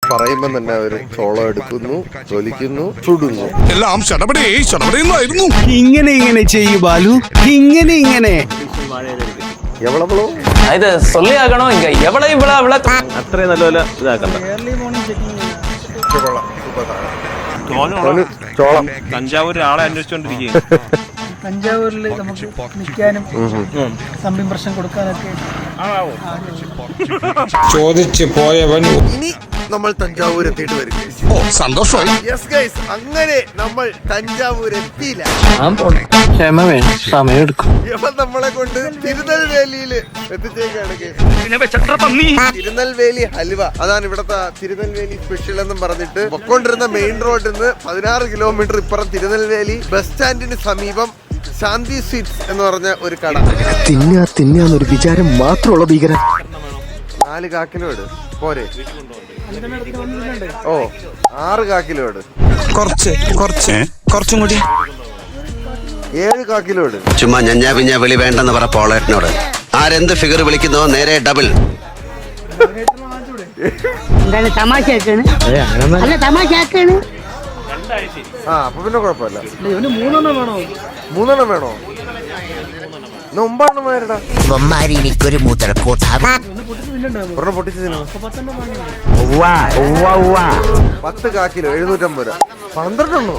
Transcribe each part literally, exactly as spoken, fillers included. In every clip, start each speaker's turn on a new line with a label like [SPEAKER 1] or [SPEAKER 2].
[SPEAKER 1] പറയുമ്പോ തന്നെ അവര് ചോളം എടുക്കുന്നു, തൊലിക്കുന്നു, ചുടുന്നു.
[SPEAKER 2] എല്ലാം ശടപടിയായിരുന്നു.
[SPEAKER 3] ഇങ്ങനെ ഇങ്ങനെ ചെയ്യൂ ബാലു, ഇങ്ങനെ ഇങ്ങനെ.
[SPEAKER 1] എവളവളോ
[SPEAKER 4] ഇത് സൊല്ലിയാക്കണോ ഇങ്ക എവളെ ഇവളെ അവളെ
[SPEAKER 5] അത്രയും നല്ലപോലെ ഇതാക്കണ്ട.
[SPEAKER 1] ചോളം
[SPEAKER 5] തഞ്ചാവൂർ ആളെ അന്വേഷിച്ചോണ്ടിരിക്കുകയും
[SPEAKER 6] തഞ്ചാവൂരിൽ നമുക്ക് നിൽക്കാനും സംരംഭം കൊടുക്കാനൊക്കെ
[SPEAKER 2] ചോദിച്ചു പോയവൻ
[SPEAKER 1] ഇനി നമ്മൾ തഞ്ചാവൂർ എത്തിയിട്ട് വരും.
[SPEAKER 2] ഓ സന്തോഷമായി.
[SPEAKER 1] യെസ് ഗൈസ്, അങ്ങനെ നമ്മൾ തഞ്ചാവൂർ എത്തിയില്ല.
[SPEAKER 4] ക്ഷമ വേണം, സമയം എടുക്കും.
[SPEAKER 1] ഇവൻ നമ്മളെ കൊണ്ട് തിരുനെൽവേലിയിൽ എത്തിച്ചേക്കാണ്. തിരുനെൽവേലി ഹൽവ, അതാണ് ഇവിടത്തെ തിരുനെൽവേലി സ്പെഷ്യൽ എന്നും പറഞ്ഞിട്ട് പൊക്കോണ്ടിരുന്ന മെയിൻ റോഡിൽ നിന്ന് പതിനാറ് കിലോമീറ്റർ ഇപ്പുറം തിരുനെൽവേലി ബസ് സ്റ്റാൻഡിന് സമീപം ശാന്തി സ്വീറ്റ്സ് എന്ന് പറഞ്ഞ ഒരു കട.
[SPEAKER 3] തിന്നാ തിന്നാന്നൊരു വിചാരം മാത്രമുള്ള ഭീകരൻ.
[SPEAKER 1] നാല് കാക്കിലോ ഇട് പോരെ. ഓ ആറ് കാക്കിലോ ഇട്.
[SPEAKER 2] കുറച്ച് കുറച്ച് കുറച്ചും കൂടി.
[SPEAKER 1] ഏഴ് കാക്കിലോ ഇട്.
[SPEAKER 7] ചുമ്മാ ഞഞ്ഞാ പിഞ്ഞാ വിളി വേണ്ടെന്ന് പറ പോളേട്ടനോട്. ആരെന്ത് ഫിഗർ വിളിക്കുന്നോ നേരെ ഡബിൾ.
[SPEAKER 6] തമാശയാക്കാണ് അല്ല തമാശയാക്കാണ്.
[SPEAKER 1] ആ അപ്പൊ പിന്നെ കുഴപ്പമില്ല.
[SPEAKER 6] മൂന്നെണ്ണം വേണോ?
[SPEAKER 1] മൂന്നെണ്ണം വേണോ? ഒമ്പതെണ്ണം വേരടാ.
[SPEAKER 7] എനിക്കൊരു മൂത്രക്കോട്ട
[SPEAKER 1] ഒരെണ്ണം പൊട്ടിച്ച് തിന്നോ. പത്ത് കാക്കിലോ എഴുന്നൂറ്റമ്പത് രൂപ. പന്ത്രണ്ടെണ്ണോ?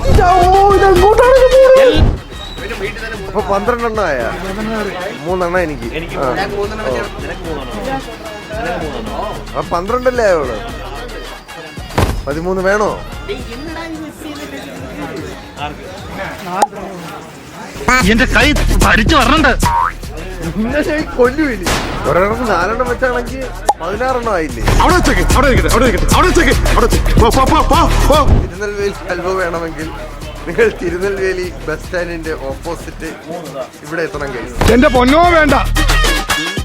[SPEAKER 1] അപ്പൊ പന്ത്രണ്ടെണ്ണം ആയ മൂന്നെണ്ണം എനിക്ക്. അപ്പൊ പന്ത്രണ്ടല്ലേ ആയോള്. പതിമൂന്ന് വേണോ?
[SPEAKER 3] എന്റെ കൈ ഭരിച്ചു വരണുണ്ട്.
[SPEAKER 1] കൊല്ലുവിനി ഒരെണ്ണം നാലെണ്ണം വെച്ചാണെങ്കിൽ പതിനാറെണ്ണം ആയില്ലേ. തിരുനെൽവേലി ഹൽവ വേണമെങ്കിൽ നിങ്ങൾ തിരുനെൽവേലി ബസ് സ്റ്റാൻഡിന്റെ ഓപ്പോസിറ്റ് ഇവിടെ എത്തണം. കഴിയും
[SPEAKER 2] എന്റെ പൊന്നോ വേണ്ട.